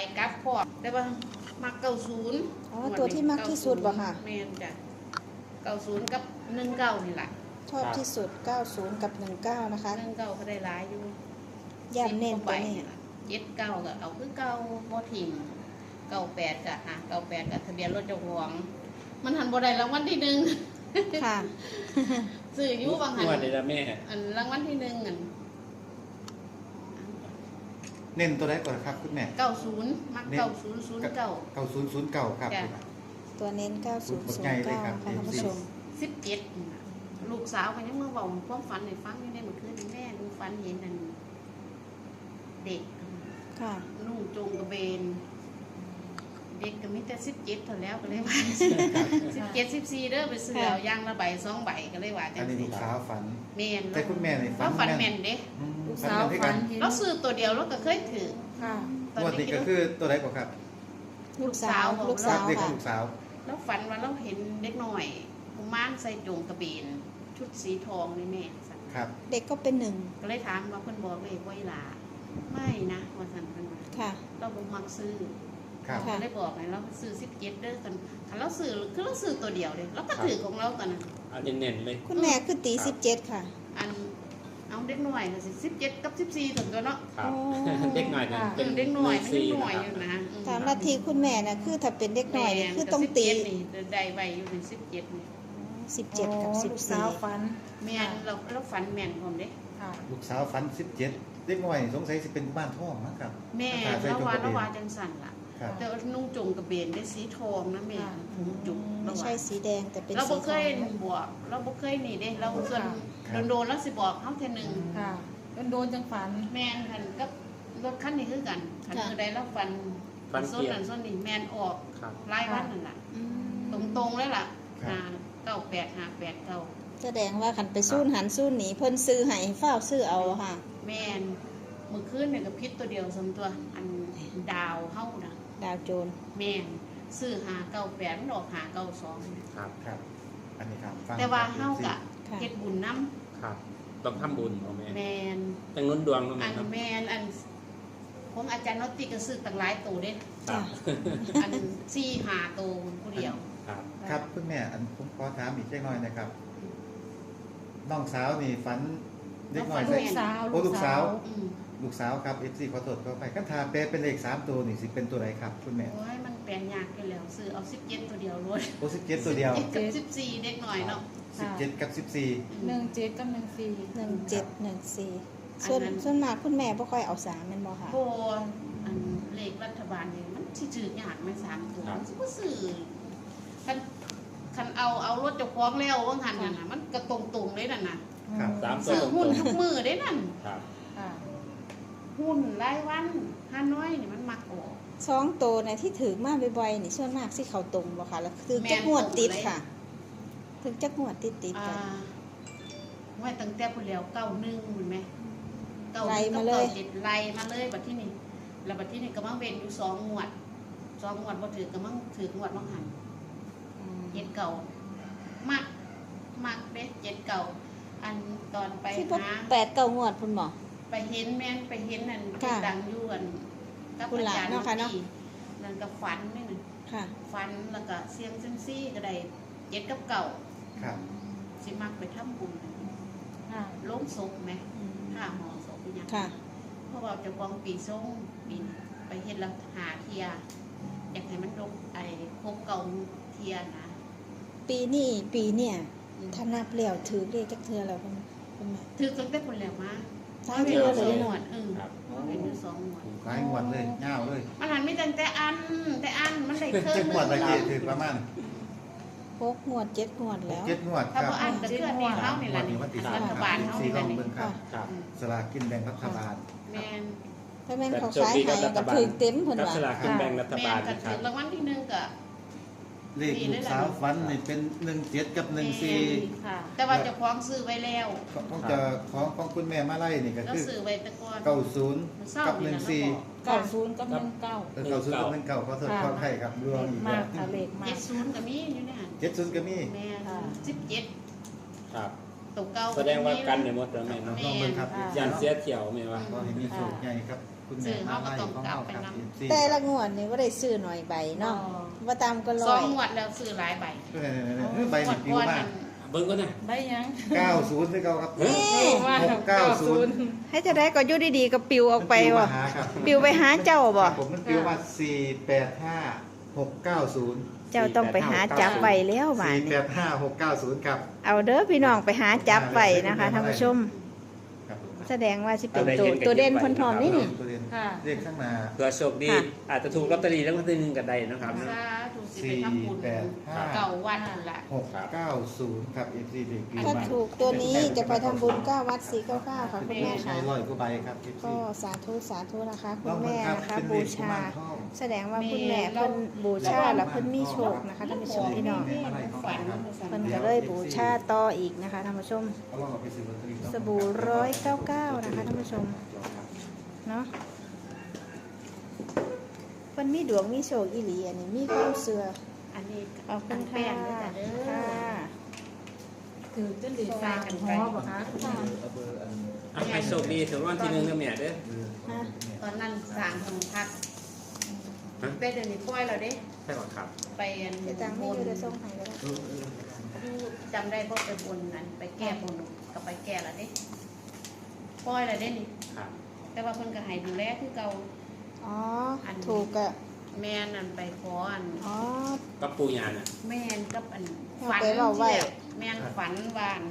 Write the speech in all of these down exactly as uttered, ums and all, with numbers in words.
กลับพร้อมได้ป่ะมักเก้าศูนย์อ๋อตัวที่มักที่สุดบ่ค่ะแม่นจ้ะเก้าศูนย์กับหนึ่งเก้านี่แหละชอบที่สุดเก้าสิบกับหนึ่งเก้านะคะหนึ่งเก้าก็ได้หลายอยู่ย่ำเน้นตัวนี้เจ็ดเก้าก็เอาคือเก้าบ่ถิ่มเก้าแปดก็อ่ะเก้าแปดก็ทะเบียนรถเจ้าของมันหันบ่ได้รางวัลที่หนึ่งค่ะซื้ออยู่บางหันงวดเลยละแม่อันรางวัลที่หนึ่งอันเน้นตัวใดก่อนครับคุณแม่เก้าศูนย์มักเก้าศูนย์ศูนย์เก้าเก้าศูนย์ศูนย์เก้าครับจ้ะตัวเน้นเก้าสิบกดใหญ่เลยครับค่ะท่านผู้ชมสิบเจ็ดลูกสาวก็ยังเมื่อบอกความฝันในฟังอยู่ในเมื่อคืนแม่ดูฝันเห็นนั่นเด็กค่ะนุ่งโจงกระเบน เด็กก็มีแต่สิบเจ็ดเท่าแล้วก็เลยว่าสิบเจ็ดสิบสี่เด้อไปซื้อเอาย่างละใบสองใบก็เลยว่าจัอันงนี้สิลูกสาวฝันแม่นแต่คุณแม่นี่ฝัเรานฝันแม่แม่นนเด้อืมลูกฝันสาวแม่นด้วยฝักันนเห็นเราซื้อตัวเดียวเราก็เคยถือค่ะงวดนี้ก็คือตัวใดก่อนครับลูกสาวลูกสาวเด็กขอค่ะงลูกสาวเราฝันว่าเราเห็นเด็กหน่อยกุมารใส่โจงกระเบน ชุดสีทองนี่แม่สั่นครับเด็กก็เป็นหนึ่งก็เลยถามว่าเพิ่นบอกเลยว่าอีหลาไม่นะว่าสั่นเพิ่นว่าค่ะเราบ่มักซื้อครับค่ะก็เลยบอกไงเราซื้อสิบเจ็ดเด้อกันคันเราซื้อคือเราซื้อตัวเดียวเลยเราก็ถือของเราตอนนั้นเอาเน้นๆเลยคุณแม่คือตีสิบเจ็ดค่ะอันเอาเด็กหน่อยก็สิสิบเจ็ดกับสิบสี่ถึงตัวเนาะครับโอ้เด็กหน่อยนะค่ะเป็นเด็กหน่อยมันซีเด็กหน่อยนะอยู่ครับนะอืมตามลัทธิคุณแม่น่ะคือถ้าเป็นเด็กหน่อยนี่คือต้องตีแม่นกับสิบเจ็ดนี่ได้ไว้อยู่ในสิบเจ็ดนี่สิบเจ็ดกับสิบลูกสี่สาวฝันแม่นเราเราฝันแม่นพร้อมเด้ค่ะลูกสาวฝันสิบเจ็ดเด็กน้อยสงสัยสิเป็นบ้านท่องนะครับแม่ใส่เราจงว่ากระเราเบว่าน จังสั่นล่ะครับแต่ว่านุ่งจงกระเบนได้สีทองนะแม่ผมจุกไม่เราใช่ว่าสีแดงแต่เป็นเราสีบ่ทเคอย งบวกเราบ่เคยนี่เด้เราส่วนครับโดนๆแล้วสิบอกเฮาเทื่อหนึงค่ะโดนๆจังฝันแม่นคันกับรถคันนี้คือกันคันคือใดเราฟันฟันส้เกีนยนั่นร์ส้นนี่แม่นออกครับรายวันนั่นล่ะอืมตรงๆเลยล่ะครับหาเก้าแปดหาแปดเก้าแสดงว่าขันไปสู้หันสู้หนีเพิ่นซื้อให้เฝ้าซื้อเอาค่ะแม่นมื้อคืนเนี่ยก็พิษตัวเดียวสมตัวอันดาวเฮาน่ะดาวโจรแม่นซื้อหาเก้าแปดมันออกหาเก้าสองครับครับ อันนี้ครับฟังแต่ว่าเฮากะค่ะเฮ็ดบุญนำครับ ต้องทำบุญเอาแม่แม่นตั้งนุ้นดวงตรงอันั้นนครับแม่นอันของอาจารย์นอตติก็ซื้อตั้งหลายตัวเด้ครัจ้ะบอันสี่หาตัวผู้เดียวครับครับคุณแม่อันผมขอถามอีกเล็กน้อยนะครับน้องสาวนี่ฝันเด็กน้อยน้ใส่องฝันลูกสาวโอ้ลูกสาวอืมลูกสาวครับเอฟซีขอโทษขอไปขั้นทาเปลเป็นเลขสามตัวนี่สิเป็นตัวไหนครับคุณแม่โอ้ยมันแปลนยากกันแล้วซื้อเอาสิบเจ็ดตัวเดียวเลยโอ้สิบเจ็ดตัวเดียวสิบกับสิบสี่เด็กหน่อยเนาะสิบเจ็ดกับสิบสี่หนึ่งเจ็ดกับหนึ่งสี่หนึ่งเจ็ดหนึ่งสี่ส่วนส่วนมากคุณแม่บ่ค่อยเอาสามแม่นบ่ค่ะโบอันเลขรัฐบาลนี่มันที่ถือยากไม่สามตัวมันสิบ่ซื้อคันคันเอาเอารถเจ้าของแล้วว่างั้นน่ะนะมันก็ตรงๆเลยนั่นน่ะครับสามตัวซื้อตรงหุ้นทุกมือได้นั่นๆครับค่ะหุ้นรายวันห้าน้อยนี่มันมักออกสองตัวในที่ถือมาบ่อยๆนี่ส่วนมากสิเขาตรงบ่ค่ะแล้วคือแม่นจักงวดติดตรงเลยค่ะ ถึงจักงวดติดติดอ่ากันไว้ตั้งแต่พุ่นแล้วเก้าหนึ่งเห็นไหมเก้าหไล่นึ่งมากับเลยเก้าเจ็ดไล่มาเลยบัดที่นี่แล้วบัดที่นี่ก็มังเว้นอยู่สองงวดสองงวดบ่ถือก็มังถืองวดมังหัน เจ็ดเก่ามักมักเด้เจ็ดเก่าอันตอนไปที่พบหาแปดเก้างวดคุณหมอไปเห็นแม่นไปเห็นนั่นค่ะดังอยวนกับคุณอาหลานจารย์เนาะค่ะเนาะที่นั่นก็ฝันนี่นึงค่ะฝันแล้วก็เสียงเซยมซี่ก็ได้เจ็ดกับเก่าครับสิมักไปทำบุญค่ะลงศพไหมอืมค่าหมอศพเป็นหยังค่ะเพราะว่าเจะกองปีส่งปีนไปเห็นแล้วหาเทียอยากให้มันลงไอ้ครบเก่าเทียนะปีนี้ปีเนี่ยถ้านับแล้วถือเลขจักเทื่อแล้วคุณคุณแม่ถือตั้งแต่คนแล้วมาสามเทื่อสเลองยหมเนาะวดเออครับเป็นอยู่สองหมวดหลายงวดเลยเงาวเลยมันหันไม่ตั้งแต่อันแต่อันมันได้เครื่องเจ็ดงวดละเกถือประมาณหกงวดเจ็ดงวดแล้วเจ็ดงวดคถ้ารับบ่อันก็คืออันนี้เฮานี่ล่ะนี่งวดที่รัฐบาลเฮาสี่นี่ลล่ะองนี่เบิ่งครับครับสลากกินแบ่งรัฐบาลแม่นถ้าแม่นเขาโชคขายดีให้กับรัฐก็บาลถือเต็มเพิ่นกับว่าสลากกินแบ่งรัฐแม่บาลนก็นะคถืรัอบ รางวัลที่หนึ่งก็เลขลูกสาวฝันนี่เป็นหนึ่งเจ็ดกับหนึ่งสี่ค่ะแต่ว่าเจ้าของซื้อไว้แล้วของจะของของคุณแม่มาไล่นี่ก็เราคือซื้อไว้แต่ก่อนเก้าศูนย์มันเศร้ากับหนี่นึ่งล่ะสี่เก้าศูนย์กับหนึ่งเก้าเออเก้าศูนย์กับหนึ่งเก้าขอโทษขอให้ครับรวมอีกมากค่ะเลขมาเจ็กดศูนย์ก็มีอยู่เนี่ยเจ็ดศูนย์ก็มีแม่ค่ะสิบเจ็ดครับตกเก่าแสดงว่ากันในหมดแล้วแม่เนาะลองเบิ่งครับยันเสียเที่ยวแม่ว่าขอให้มีโชคใหญ่ครับคุณแม่มาไล่ของเราครับแต่ละงวดนี่บ่ได้ซื้อหน่อยใบเนาะบ่ตามก็ร้สออง ยงงวดแล้วซื้อหลายใบเออใบนี่ปิวมากเบิ้งก็นะได้ยังเก้าศูนย์ที่เขาครับเฮ้ยว่าหกเก้าศูนย์ให้จะได้ก็อยู่ดีๆก็ปิวออกไปมันบ่มาหาครับปิวไปหาเจ้าบ่ผมมันปิวมาสี่แปดห้าหกเก้าศูนย์เจ้าต้องไปหาจับไว้แล้วบาดสี่นี้แปดห้าหกเก้าศูนย์ครับเอาเด้อพี่น้องไปหาจับไว้นะคะท่านผู้ชมครับแสดงว่าสิเป็นตัวตัวเด่นเพิ่นพร้อมนี่นี่ตัวเด่นค่ะเรียกข้างหน้าเผื่อโชคดีค่ะอาจจะถูกลอตเตอรี่แล้วก็ทีหนึงก็ได้นะครับสาธุสิไปทำบุญสี่แปดห้าเก่าวันนั่นแหละหกเก้าศูนย์ครับ เอฟ ซี เด็กปีถ้าถูกตัวนี้จะไปทำบุญเก้าวัดสี่เก้าเก้าค่ะคุณแม่ใช้ค่ะร้อยกว่าใบครับ เอฟก็ซีสาธุสาธุนะคะคุลอณงแม่เบิ่งครับนะคะเป็นบูเลขกุชามารทองแสดงว่าคุณแม่เพิ่นบูชาแล้วเพิ่นมีโชคนะคะท่านผู้ชมพี่น้องฝันเพิ่นก็เลยบูชาต่ออีกนะคะท่านผู้ชมเอาลองเอาไปซื้อลอตเตอรี่เนาะสบู่ร้อยเก้าเก้านะคะท่านผู้ชมเนาะเพิ่นมีดวงมีโชคอีหลีอันนี้มีความเชื่ออันนี้เอาคุตั้ณงค่ะแป้งด้วยจ้ะเด้ค่ะอถือจนดีฟ้ากันฮอบ่คะเอาเบอร์อันเอาให้โชคดีถึงวันที่หนึ่งนะแม่เด้อเบอร์ฮะตอนนั้นสร้างห้องพักฮะไปเดี๋ยวนี้ปล่อยแล้วเด้ใช่ก่อนครับไปอันเดี๋ยวตังค์บไม่นอยู่จะส่งให้ก็ได้เออเอออยู่จำได้เพราะไปบนนั้นไปแก้บนก็ไปแก้แล้วเด้ปล่อยแล้วเด้นี่ครับแต่ว่าเพิ่นก็ให้ดูแลคือเก่าอ๋ออันถูกอะแม่นั่นไปขออันอ๋อก็ปูยาน่ะแม่นกับอันเอาฝันไปเว้าไว้ที่แบบแม่นฝันว่าอัน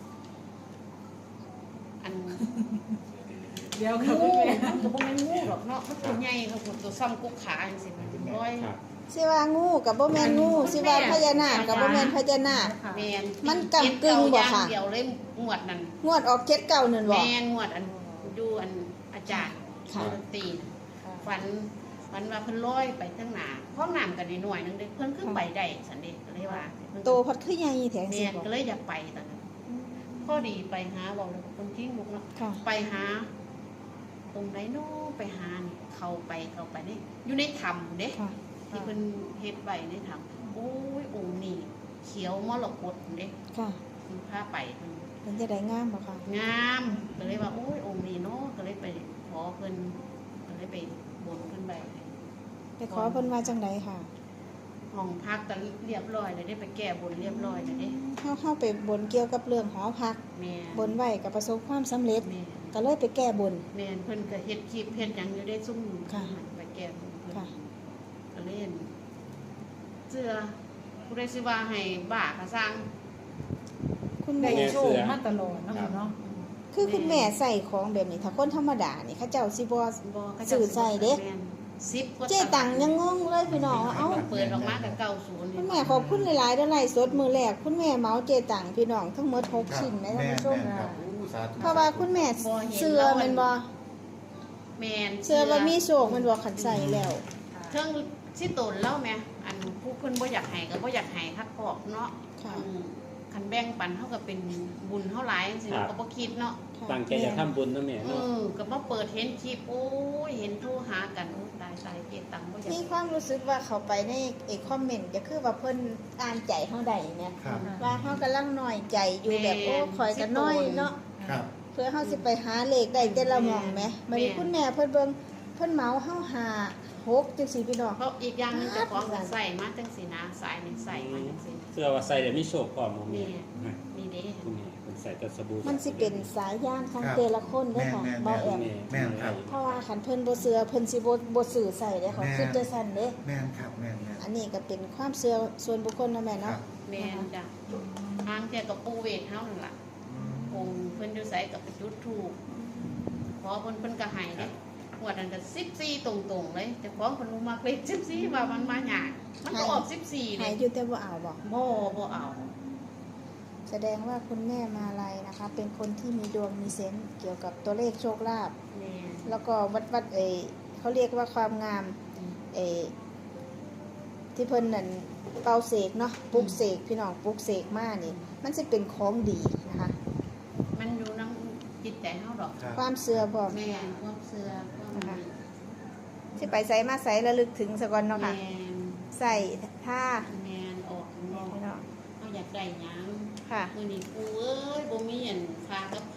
อันเดี๋ยวงูค่ะคุณแม่มันก็บ่แม่นงูหรอกเนาะมันตัวใหญ่ค่ะคุณตัวซ้ำกุกขาจังซี่มันร้อยครับสิว่างูกับบ่แม่นงูสิว่าพญานาคกับบ่แม่นพญานาคค่ะแม่นมันกำกึ่งบ่ค่ะเดียวเลยงวดนั้นงวดออกเจ็ดเก้านั่นบ่แม่นงวดอันอยู่อันอาจารย์ค่ะดนตรีฝันฝันว่าเพิ่นลอยไปทางหน้าห้องน้ำกันนิดหน่อยนึงเด้เพิ่นขึ้นไปได้สันเด้ก็เลยว่าเพิ่นโตพัดคือใหญ่แท้สิแม่นบ่ก็เลยอยากไปตอนนั้นพอดีไปหาเว้าแล้วคนทิ้งลูกเนาะค่ะไปหา ตรงไหนโน้ไปหานี่เข้าไปเข้าไปนี่อยู่ในถ้ำเด้ค่ะที่เพิ่นเฮ็ดไว้ในถ้ำโอ้ยองค์นี่เขียวมรกตเด้ค่ะเพิ่นพาไปเพิ่นเป็นจะได้งามบ่ค่ะงามก็เลยว่าโอ้ยองค์นี้เนาะก็เลยไปขอเพิ่นก็เลยไปบนเพิ่นไปไปขอเพิ่นว่าจังไดค่ะห้องพักก็เรียบร้อยเลยได้ไปแก้บนเรียบร้อยเลยเด้เฮาเฮาไปบนเกี่ยวกับเรื่องหอพักแม่บนไว้ก็ประสบความสำเร็จแม่ก็เลยไปแก้บนแม่นเพิ่นก็เฮ็ดคลิปเฮ็ดหยังอยู่ได้ซุ่มค่ะไปแก้บนเพิ่นค่ะก็เล่นเสื้อผู้ใดสิว่าให้บ้าก็สร้างคุณได้แม่โชคมาตลอดเนาะค่ะเนาะคือคุณแม่ใส่ของแบบนี้ถ้าคนธรรมดานี่เขาเจ้าสิบ่บ่เขาสื่อใส่เด้แม่นสิบกว่าเจ๊ตังยังงงเลยพี่น้องว่าเอ้าเปิดออกมาก็เก้าสิบคุณแม่ขอบคุณหลายๆเด้อไลฟ์สดมือแรกคุณแม่เมาเจตังพี่น้องทั้งหมดหกครับชิ้นนะท่านแม่ผู้ชมแม่ครับอู้สาธุเพราะว่าคุณแม่เสื้อแมันบ่แม่นเสื้อว่ามีโชคแมันบ่ขันใส่แล้วเทิงสิตนเล่าแม่อันผู้เพิ่นบ่อยากให้ก็บ่อยากให้คักพอกเนาะค่ะอืมคันแบ่งปันเฮาก็เป็นบุญเฮาหลายจังซี่ครับก็บ่คิดเนาะค่ะตั้งใจจะทำบุญนะแม่เอเนาะอก็มาเปิดเห็นคลิปโอ้ยเห็นโทรหากันโอ้ตายตายเก็บตังค์บ่อยากมีความรู้สึกว่าเขาไปในไอ้คอมเมนต์ก็คือว่าเพิ่นอ่านใจเฮาได้เนี่ยครับว่าเฮากำลังน้อยใจอยู่แบบโอ้คอยกันน้อยเนาะครับเพื่อเฮาสิไปหาเลขได้แต่ละหม่องแหมบัดนี้คุณแม่เพิ่นเบิ่งเพิ่นเหมาเฮาหาหกจังซี่พี่น้องเพราะอีกอย่างหนึงเจ้าของก็ใส่มาจังซี่นะสายนี่ใส่มาจังซี่เสื้อว่าใส่เดี๋ยวมีโชคพร้อมของแม่นี่ นี่เด้คุณแม่เป็นใส่แต่สบู่มันสิเป็นสายย่านของครับแต่ละคนเด้อค่ะแม่นๆบ่แอมแม่นครับเพราะว่าคันเพิ่นบ่เชื่อเพิ่นสิบ่บ่สื่อใส่เด้อเขาแม่นคิดจังซั่นเด้แม่นครับแม่นแม่นอันนี้ก็เป็นความเชื่อส่วนบุคคลเนาะแม่ครัเนาะบแม่นจ้ะทางแต่กับปูเวทเฮานั่นล่ะอืมองค์เพิ่นอยู่ไสก็ไปจุดธูปขอเพิ่นเพิ่นก็ให้เด้งวดนั้นก็สิบสี่ตรงๆเลยแต่ของเพิ่นบ่มักเลขสิบสี่ว่ามันมายากมันก็ออกสิบสี่เลหายยอยู่แต่บ่เอาบ่บ่บ่เอาแสดงว่าคุณแม่มาลัยนะคะ เป็นคนที่มีดวงมีเซนส์เกี่ยวกับตัวเลขโชคลาภแม่นแล้วก็วัดวัดเออเขาเรียกว่าความงามเออที่เพิ่นนั่นเป่าเสกเนาะปลุกเสกพี่น้องปลุกเสกมานี่ มันจะเป็นของดีนะคะมันอยู่นำจิตใจเฮาดอกครับความเชื่อพร้อมแม่นความเชื่อความดีสิไปใส่มาใส่ระลึกถึงสะก่อนเนาะค่ะแม่นใส่ท่าแม่นออกข้างนเนี่ยอกพี่น้องเฮาอยากได้หยังค่ะมื้อนี้ปูเอ้ยบ่มีอันค่ากับเขาว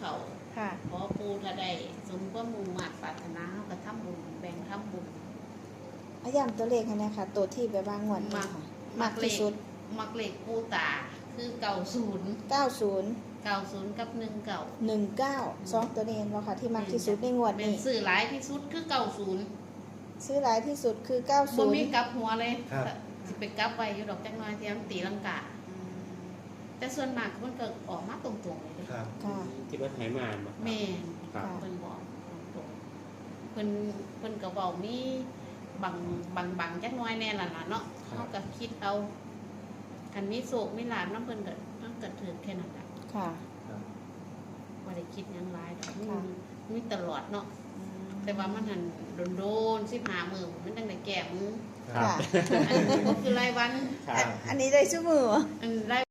ค่ะขอปูถ้าได้สมความมุ่งมั่นปรารถนาเฮาก็ทำบุญแบ่งทำบุญอาย้ำตัวเลขให้นะคะตัวที่ไปบ้างงวดนี้ค่ะมากที่สุดมักเลขปูตาคือเก่าศูนย์เก้าศูนย์เก่าศูนย์กับหนึ่งเก่าหนึ่งเก้าสองตัวนี้เห็นบ่ค่ะที่มากที่สุดในงวดเป็นนี้สื่อหลายที่สุดคือเก่าศูนย์ซื้อหลายที่สุดคือเก้าบ่ศูนมีย์กลับหัวเลยครับสิไปกลับไว้อยู่ดอกจักหน้อยที่มันตีลังกา แต่ส่วนมากมันก็ออกมาตรงๆเลยเด้ครับค่ะที่ว่าไทยมาบ่แม่นครับเพิ่นบอกตรงๆเพิ่นเพิ่นก็เว้ามีบางบางบางจักหน้อยแน่ล่ะล่ะเนาะเฮาก็คิดเอาคันมีโศกมีลาภนำเพิ่นก็มันก็ถือแค่นั้นล่ะค่ะครับบ่ได้คิดหยังหลายดอกมีค่ะมีตลอดเนาะแต่ว่ามันหันโดนๆสิบห้ามื้อมันจังได้แก้มือครับค่ะอันนี้ก็คือรายวันครับอันนี้ได้ชั่วมืออันราย